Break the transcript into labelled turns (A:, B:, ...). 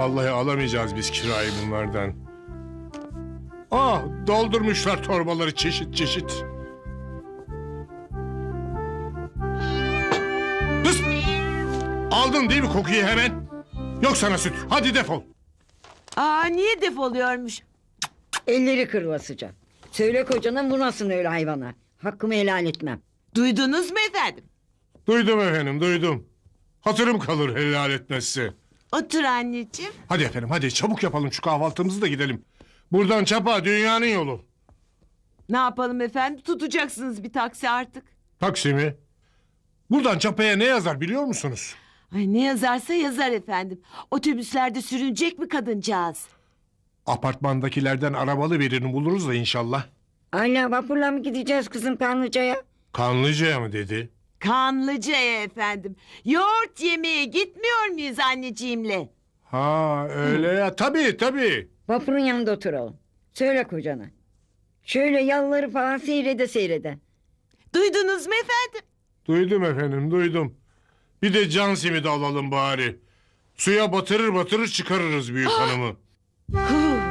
A: Vallahi alamayacağız biz kirayı bunlardan. Ah, doldurmuşlar torbaları çeşit çeşit. Kız! Aldın değil mi kokuyu hemen? Yok sana süt. Hadi defol.
B: Aa, niye defoluyormuş?
C: Elleri kırılasıca. Söyle kocana vurmasın öyle hayvana. Hakkımı helal etmem.
B: Duydunuz mu efendim?
A: Duydum efendim, duydum. Hatırım kalır helal etmezse.
B: Otur anneciğim.
A: Hadi efendim, hadi çabuk yapalım şu kahvaltımızı da gidelim. Buradan çapa dünyanın yolu.
B: Ne yapalım efendim? Tutacaksınız bir taksi artık.
A: Taksi mi? Buradan çapaya ne yazar biliyor musunuz?
B: Ay, ne yazarsa yazar efendim. Otobüslerde sürünecek mi kadıncağız?
A: Apartmandakilerden arabalı birini buluruz da inşallah.
C: Hala vapurla mı gideceğiz kızım Kanlıca'ya?
A: Kanlıca'ya mı dedi?
B: Kanlıca'ya efendim. Yoğurt yemeye gitmiyor muyuz anneciğimle?
A: Ha öyle ya, tabii tabii.
C: Vapurun yanında oturalım. Söyle kocana. Şöyle yalları falan seyrede seyrede.
B: Duydunuz mu efendim?
A: Duydum efendim, duydum. Bir de can simidi alalım bari. Suya batırır batırır çıkarırız büyük hanımı.
B: Huh,